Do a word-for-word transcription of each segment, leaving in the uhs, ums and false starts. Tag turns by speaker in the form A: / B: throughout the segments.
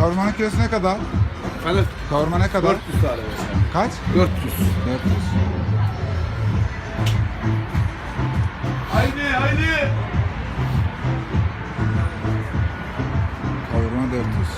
A: Kavurmanın kilosu ne kadar?
B: Efendim?
A: Kavurma ne kadar?
B: dört yüz tane.
A: Kaç?
B: dört yüz.
A: dört yüz.
B: Haydi haydi.
A: Kavurma dört yüz.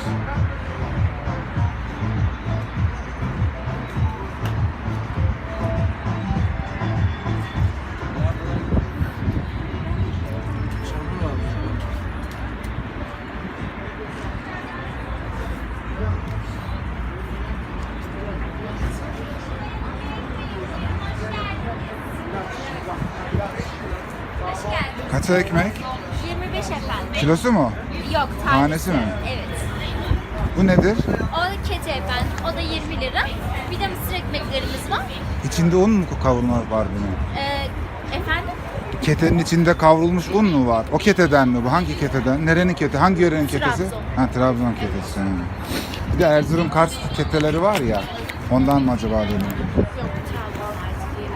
C: Hoş geldin.
A: Kaça ekmek?
C: yirmi beş efendim.
A: Kilosu mu?
C: Yok, tanesi.
A: Tanesi mi?
C: Evet.
A: Bu nedir?
C: O keçi efendim. O da yirmi lira. Bir de mısır ekmeklerimiz var.
A: İçinde un mu kavurma var bunun?
C: Ee, efendim?
A: Ketenin içinde kavrulmuş un mu var? O keteden mi bu? Hangi keteden? Nerenin kete? Hangi yörenin ketesi?
C: Trabzon.
A: Ha, Trabzon ketesi. Ha. Bir de Erzurum Kars keteleri var ya. Ondan mı acaba dedim.
C: Yok, Trabzon artık yirmi.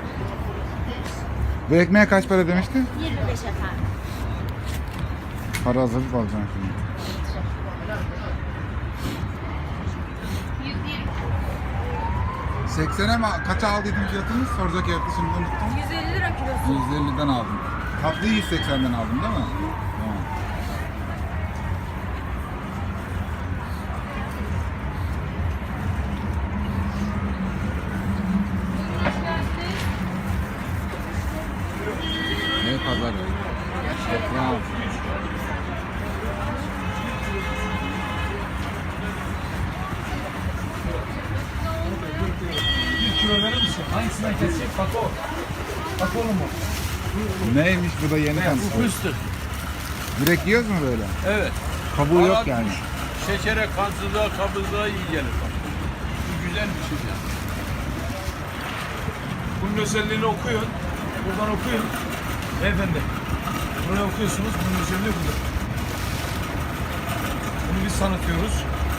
A: Bu ekmeğe kaç para demiştin?
C: yirmi beş efendim.
A: Para hazırlık alacağım şimdi.
C: yüz yirmi.
A: seksene mi? Kaça aldıydın fiyatını? Soracak yaptı şimdi unuttum.
C: yüz elli lira kilosu.
A: yüz elliden aldım. Tatlıyı yüz seksenden aldın değil mi? Tamam. Ne pazar ya? Ya.
B: Bir kilo verir misin? Hangisinden kesecek? Bak o. Bak oğlum o.
A: Neymiş bu da yeni
B: Bu
A: tanıştı.
B: fıstık.
A: Direkt yiyoruz mu böyle?
B: Evet.
A: Kabuğu yok
B: Arat-
A: yani.
B: Şekere, kansızlığa, kabızlığa iyi gelir. Bak. Bu güzel bir şey yani. Bunun özelliğini okuyun. Buradan okuyun. Beyefendi. Buraya okuyorsunuz. Bunun özelliği budur. Bunu biz tanıtıyoruz.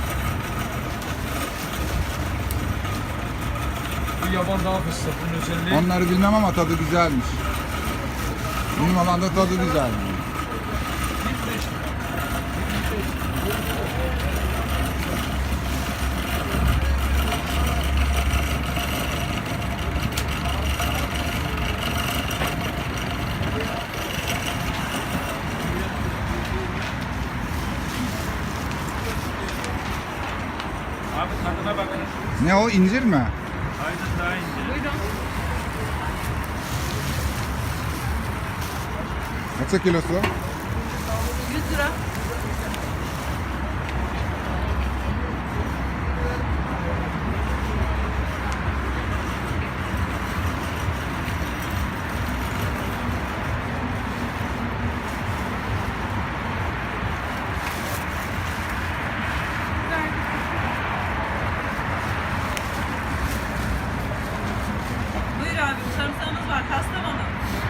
B: Bu yaban dağ fıstığı. Bunun özelliği.
A: Onları bilmem ama tadı güzelmiş. Benim olan da tadı güzel.
B: Abi tadına bakın.
A: Ne o, incir mi?
B: Aynen daha ince. Buyurun.
A: Kaça kilosu?
D: yüz lira. Buyur abi, sarımsağımız var. Kastamonu.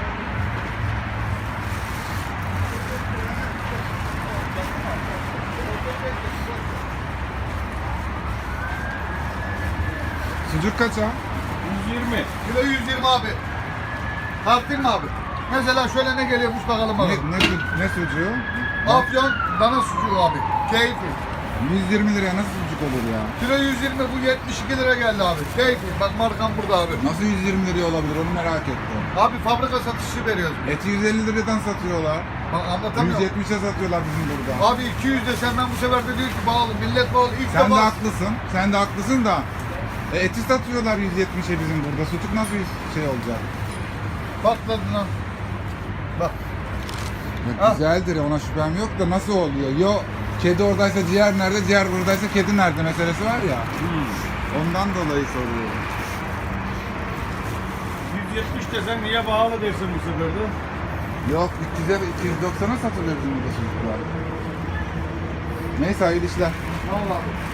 A: Sucuk kaça?
B: yüz yirmi.
E: Kilo yüz yirmi abi. Tartayım mı abi? Mesela şöyle ne geliyormuş bakalım abi.
A: Ne, ne, su- ne sucuğu?
E: Afyon dana sucuğu abi. Keyfi.
A: yüz yirmi liraya nasıl sucuk olur ya?
E: Kilo yüz yirmi, bu yetmiş iki lira geldi abi. Keyfi. Bak markam burada abi.
A: Nasıl yüz yirmi liraya olabilir onu merak ettim.
E: Abi fabrika satışı veriyoruz.
A: Eti yüz elli liradan satıyorlar.
E: Bak
A: yüz
E: anlatamıyorum.
A: yetmişe satıyorlar bizim burada.
E: Abi iki yüz desem ben bu sefer de diyor ki bağlı. Millet bağlı. İlk
A: Sen de
E: defa.
A: haklısın. Sen de haklısın da. E, eti satıyorlar yüz yetmişe bizim burada. Sucuk nasıl yüz şey olacak?
E: Patladı lan. Bak.
A: Ya
E: Ha.
A: güzeldir ona şüphem yok da nasıl oluyor? Yo kedi oradaysa ciğer nerede, ciğer buradaysa kedi nerede meselesi var ya. Ondan dolayı soruyorum.
B: yüz yetmiş desen niye pahalı dersin bu sefer de?
A: Yok üç yüze iki yüz doksana satılıyor bizim burada sucuklar. Neyse hayırlı işler.
E: Vallahi.